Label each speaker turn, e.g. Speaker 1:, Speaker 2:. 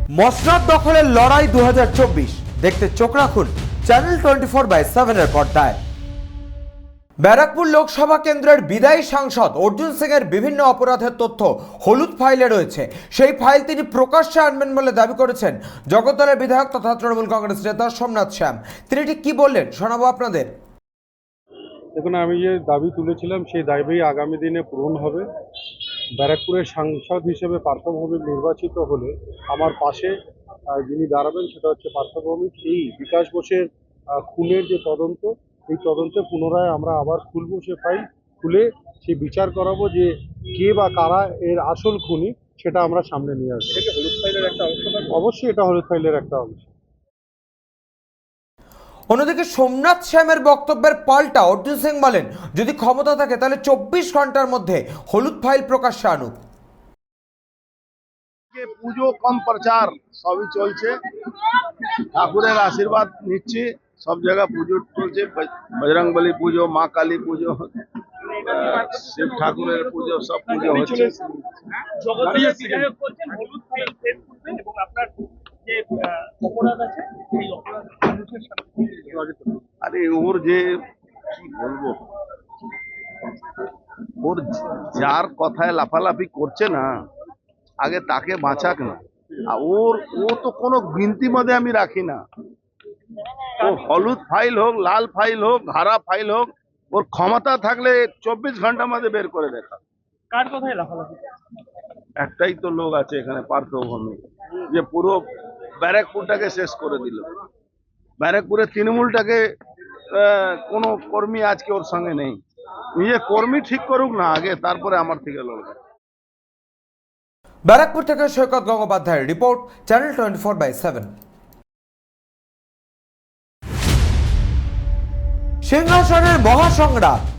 Speaker 1: মসনদ দখলের লড়াই 2024 দেখতে চোখ রাখুন চ্যানেল 24/7 এর পর্দায়। ব্যারাকপুর লোকসভা কেন্দ্রের বিদায়ী সাংসদ অর্জুন সিং এর বিভিন্ন অপরাধের তথ্য হলুদ ফাইলে রয়েছে। সেই ফাইল তিনি প্রকাশ্যে আনবেন বলে দাবি করেছেন জগদ্দলের বিধায়ক তথা তৃণমূল কংগ্রেস নেতা সোমনাথ শ্যাম। তিনি ঠিক কি বললেন শোনাবো আপনাদের।
Speaker 2: দেখুন, আমি যে দাবি তুলেছিলাম সেই দাবি আগামী দিনে পূরণ হবে। ব্যারাকপুরের সাংসদ হিসেবে পার্থ ভৌমিক নির্বাচিত হলে আমার পাশে যিনি দাঁড়াবেন সেটা হচ্ছে পার্থ ভৌমিক। এই বিকাশ বোসের খুনের যে তদন্ত, এই তদন্তে পুনরায় আমরা আবার খুলবো সে ফাইল, খুলে সে বিচার করাবো যে কে বা কারা এর আসল খুনি, সেটা আমরা সামনে নিয়ে আসবো। হলুদ ফাইলের একটা অংশ, অবশ্যই এটা হলুদ ফাইলের একটা অংশ।
Speaker 1: অন্যদিকে সোমনাথ শ্যামের বক্তব্যের পাল্টা অর্জুন সিং বলেন যদি ক্ষমতা থাকে তাহলে 24 ঘন্টার মধ্যে হলুদ ফাইল প্রকাশ্যে আনুক।
Speaker 3: পুজো কম প্রচার সবই চলছে, ঠাকুরের আশীর্বাদ নিচ্ছি, সব জায়গায় পুজো চলছে, বজরংবলী পুজো, মা কালী পুজো, শিব ঠাকুরের পুজো, সব পুজো হচ্ছে। আরে ওর যে কি বলবো, ওর যার কথায় লাফালাফি করছে না, আগে তাকে বাঁচাক না। আর ও তো কোনো গিনতি মধ্যে আমি রাখি না। ও হলুদ ফাইল হোক, লাল ফাইল হোক, হারা ফাইল হোক, ওর ক্ষমতা থাকলে 24 ঘন্টার মধ্যে বের করে দেখা।
Speaker 4: কার কথায় লাফালাফি?
Speaker 3: একটাই তো লোক আছে এখানে, পার্থ ভৌমিক, যে পুরো ব্যারাকপুরটাকে শেষ করে দিল। ব্যারাকপুরের তৃণমূলটাকে কোনো কর্মী আজকে ওর সঙ্গে নেই। নিজে কর্মী ঠিক করুক না আগে, তারপরে আমার থেকে লড়বে।
Speaker 1: ব্যারাকপুর থেকে সৈকত গঙ্গোপাধ্যায়ের রিপোর্ট, চ্যানেল 24/7। সিংহাসনের মহাসংগ্রাম